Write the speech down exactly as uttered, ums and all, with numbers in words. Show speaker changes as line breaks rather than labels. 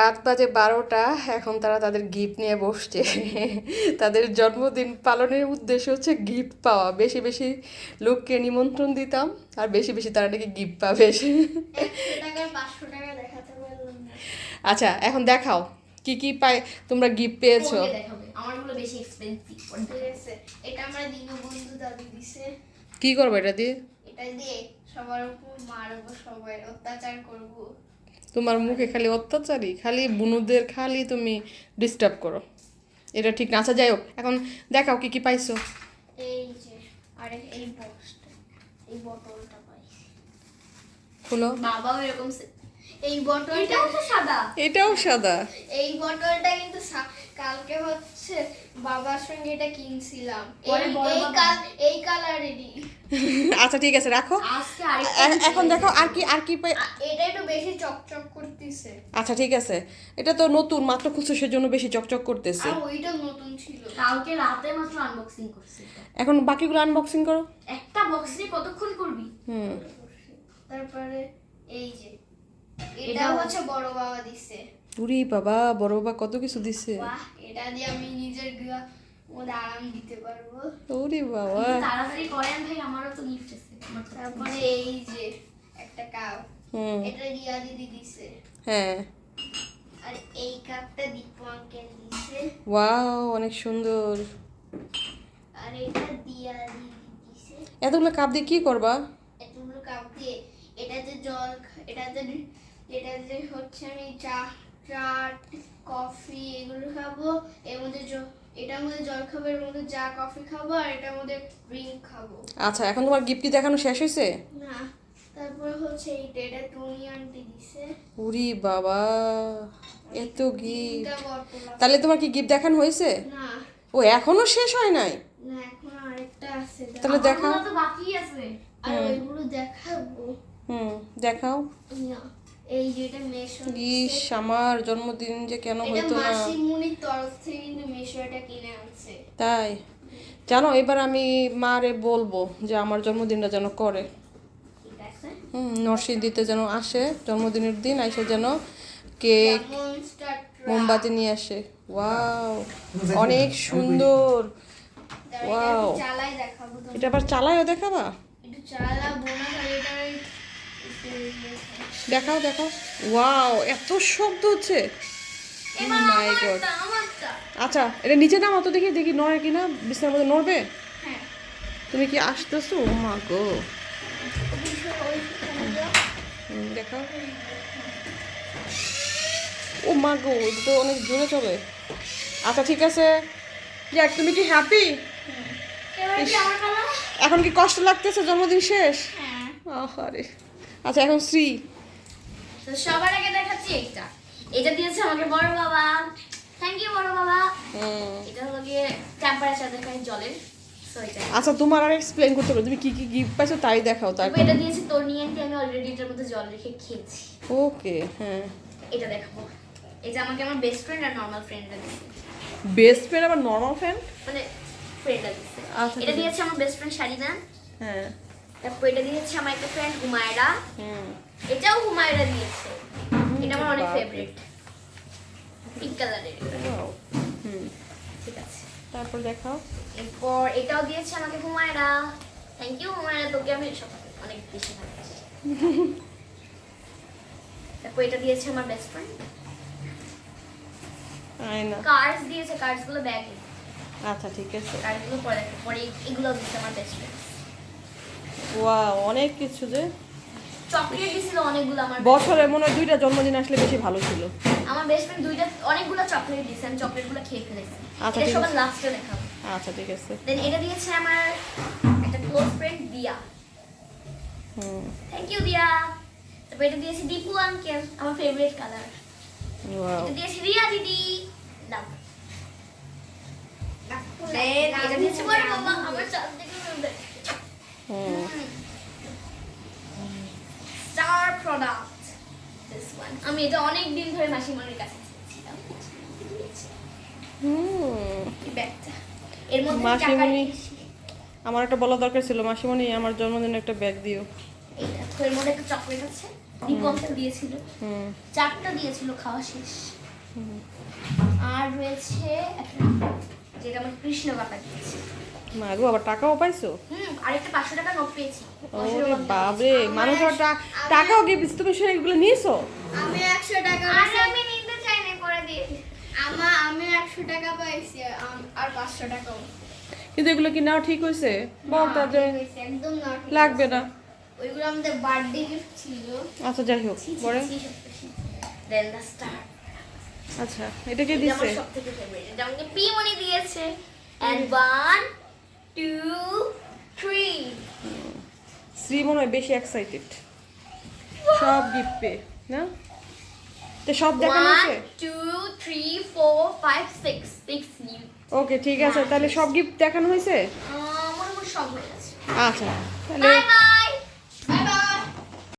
রাত বাজে বারোটা, এখন তারা তাদের গিফট নিয়ে বসছে। তাদের জন্মদিন পালনের উদ্দেশ্য হচ্ছে গিফট পাওয়া। বেশি বেশি লোককে নিমন্ত্রণ দিতাম আর বেশি বেশি তারা নাকি গিফট পাবে। আচ্ছা এখন দেখাও কি কি পাই তোমরা গিফট পেয়েছো।
আমারগুলো বেশি এক্সপেন্সিভ পড়ছে। এটা আমরা দীনবন্ধু দাদু দিছে।
কি করবো এটা দিয়ে?
এটা দিয়ে সবার উপর মারবো, সবাই অত্যাচার করব।
তোমার মুখে খালি অত্যাচারই, খালি বুনুদের খালি তুমি ডিস্টার্ব করো, এটা ঠিক না। আচ্ছা যাই হোক, এখন দেখাও কি কি পাইছো।
এই যে আরে এই বক্সটা, এই বোতলটা পাইছি।
খুলো।
বাবাও এরকম এই বোতলটা হচ্ছে সাদা,
এটাও সাদা।
এই বোতলটা কিন্তু কালকে হচ্ছে বাবার সঙ্গে এটা কিনছিলাম, এই কাল এই কালারেরই।
আচ্ছা ঠিক আছে রাখো, এখন দেখো আর কি আর কি পাই।
এটা একটু বেশি চকচক করতেছে।
আচ্ছা ঠিক আছে, এটা তো নতুন মাত্র খুঁজছো সেজন্য বেশি চকচক করতেছে।
আর ওইটা নতুন ছিল, কালকে রাতে মাত্র আনবক্সিং করছি।
এখন বাকিগুলো আনবক্সিং করো।
একটা বক্স নিয়ে কতক্ষণ করবি? হুম। তারপরে এই যে এটা হচ্ছে বড় বাবা দিছে।
পুরি বাবা, বড় বাবা কত কিছু দিছে।
বাহ, এটা দিয়ে আমি নিজের গা মধ্যে আরাম দিতে পারবো।
ওরে বাবা,
তাড়াতাড়ি করেন ভাই, আমারও তো গিফট আছে। তারপরে এই যে একটা কাপ, এটা রিয়া দিদি দিছে।
হ্যাঁ,
আর এই কাপটা দীপু আঙ্কেল দিছে।
ওয়াও অনেক সুন্দর।
আর এটা দিয়া দিদি দিছে।
এতগুলো কাপ দিয়ে কি করবা?
এতগুলো কাপ দিয়ে এটাতে জল, এটাতে এটাতে হচ্ছে আমি চা চা কফি এগুলো খাবো, এর মধ্যে এটার মধ্যে জল খাবো, এর মধ্যে চা কফি খাবো, আর এটার মধ্যে ড্রিঙ্ক খাবো।
আচ্ছা এখন তোমার গিফট কি দেখানো শেষ হয়েছে?
না, তারপর হচ্ছে এইটা, এটা টুনি আন্টি দিছে।
উরি বাবা, এত গিফট। তাহলে তোমার কি গিফট দেখানো হয়েছে?
না।
ও এখনো শেষ হয় নাই?
না, এখনো আরেকটা আছে।
তাহলে দেখাও।
তো বাকি আছে, আর ওইগুলো দেখাবো।
হুম দেখাও।
না, এই যেটা মেশো।
ইস, আমার জন্মদিন যে কেন হইতো না।
এটা মাসিমুনির তরফ থেকে কিন্তু মেশো এটা কিনে আনছে।
তাই জানো, এবার আমি মারে বলবো যে আমার জন্মদিনটা যেন করে।
ঠিক আছে।
হুম, নরসিংদীতে যেন আসে জন্মদিনের দিন, এসে যেন কেক মোমবাতি নিয়ে আসে। ওয়াও অনেক সুন্দর। ওয়াও,
চালাই দেখাবো।
এটা আবার চালায়ও দেখাবা?
একটু চালাবো না, এটা
দেখাও দেখাও। ওয়াও এত শব্দ হচ্ছে। My god. আচ্ছা এটা নিচে নামাও তো, দেখি দেখি নড়ে কিনা, বিছানার মধ্যে নড়বে।
হ্যাঁ,
তুমি কি আসতেছো? ও মা গো, দেখাও। ও মা গো, এটা তো অনেক জোরে চলে। আচ্ছা ঠিক আছে, যাক তুমি কি হ্যাপি? এখন কি কষ্ট লাগতেছে জন্মদিন শেষ? আরে আচ্ছা এখন শ্রী।
তো সবার আগে দেখাচ্ছি এইটা, এটা দিয়েছে আমাকে বড় বাবা। থ্যাংক ইউ বড় বাবা। এটা হলো গিয়ে টেম্পারেচার দেখায় জলের। সো এটা
আচ্ছা তোমার আর এক্সপ্লেইন করতে হবে, তুমি কি কি গিফট পাইছো তাই দেখাও। তারপর
এটা দিয়েছে তোর নিয়ে, আমি অলরেডি এটার মধ্যে জল রেখে খেয়েছি।
ওকে হ্যাঁ,
এটা দেখাবো। এই যে আমাকে আমার বেস্ট ফ্রেন্ড আর নরমাল ফ্রেন্ডরা দিয়েছে।
বেস্ট ফ্রেন্ড আবার নরমাল ফ্রেন্ড
মানে ফ্রেন্ডরা দিয়েছে।
আচ্ছা
এটা দিয়েছে আমার বেস্ট ফ্রেন্ড শারিনা।
হ্যাঁ,
তারপর এটা দিয়েছে আমার একটা ফ্রেন্ড হুমায়রা।
হুম,
এটাও হুমায়রা দিয়েছে। এটা আমার অনেক ফেভারিট, পিঙ্ক কালারের।
ওয়াও হুম
ঠিক আছে,
তারপর দেখাও।
এরপর এটাও দিয়েছে আমাকে হুমায়রা। থ্যাংক ইউ হুমায়রা, তোকে আমি সব অনেক বেশি ভালোবাসি। তারপর এটা দিয়েছে আমার বেস্ট ফ্রেন্ড।
আয়না
কার্ডস দিয়েছে, কার্ডস গুলো ব্যাগে।
আচ্ছা ঠিক আছে,
কার্ডস গুলো পরে দেখো, পরে এগুলো দিয়েছে আমার বেস্ট ফ্রেন্ড।
ওয়াও অনেক কিছু যে।
চকলেট দিয়েছিল অনেকগুলো আমার
বছরে মনে হয় দুইটা জন্মদিন আসলে বেশি ভালো ছিল।
আমার বেস্ট ফ্রেন্ড দুইটা অনেকগুলো চকলেট দিয়েছে, আমি চকলেটগুলো খেয়ে ফেলেছি।
আচ্ছা
এটা
ঠিক
সবার
আছে,
লাস্টে দেখাবো।
আচ্ছা ঠিক আছে।
দেন এটা দিয়েছে আমার একটা ক্লোজ ফ্রেন্ড দিয়া।
হুম
থ্যাংক ইউ দিয়া। তারপর এটা দিয়েছে দীপু আঙ্কেল, আমার ফেভারিট কালার।
ওয়াও
এটা দিয়েছে রিয়া দিদি। দাও। দেন এটা দিয়েছে বড় বাবা, আমার চাঁদ দেখে সুন্দর।
Hmm
star product this one. আমি এটা অনেক দিন ধরে মাসিমণির কাছে চেয়েছিলাম।
হুম
এই ব্যাগটা এর মধ্যে টাকা
মাসিমণি,
রেখেছি।
আমার একটা বলা দরকার ছিল, মাসিমণি আমার জন্মদিনে একটা ব্যাগ দিও।
এইটা তো এর মধ্যে একটা চকলেট আছে। দীপঙ্কর দিয়েছিল,
হুম
চারটা দিয়েছিল, খাওয়া শেষ। আর রয়েছে একটা যেটা আমার কৃষ্ণ কাকা দিয়েছে।
মা গো, আবার টাকাও পাইছো?
হুম, আরেকটা পাঁচশো টাকা নোট পেয়েছি।
ওরে বাবরে, মানুষ আবার টা- টাকাও গিফট, তুমি সেগুলো নিয়েছো?
আমি একশো টাকা আরে আমি নিতে চাই না, করে দিয়েছি। আমা আমি একশো টাকা পাইছি, আম- আর পাঁচশো টাকাও।
কিন্তু এগুলো কি নাও ঠিক হয়েছে? বল
না,
তাদের
ঠিক হয়েছে, একদম না ঠিক
লাগবে
হয়েছে।
না।
ওইগুলো আমাদের বার্থডে গিফট ছিল।
আচ্ছা যাই হোক, পরে
দেন দ্য স্টার।
আচ্ছা এটা কে
এটা
দিছে?
আমার সবথেকে ফেভারিট। এটা আমাকে পিমনি দিয়েছে। And one two three.
শ্রী মনে হয় বেশি এক্সাইটেড সব গিফট পেয়ে, না? তো সব দেখানো
ওয়ান
হয়েছে?
Two three four five six six new.
Okay ঠিক আছে, তাহলে সব গিফট দেখানো হয়েছে?
আমার মনে সব হয়ে গেছে।
আচ্ছা তাহলে
বাই বাই।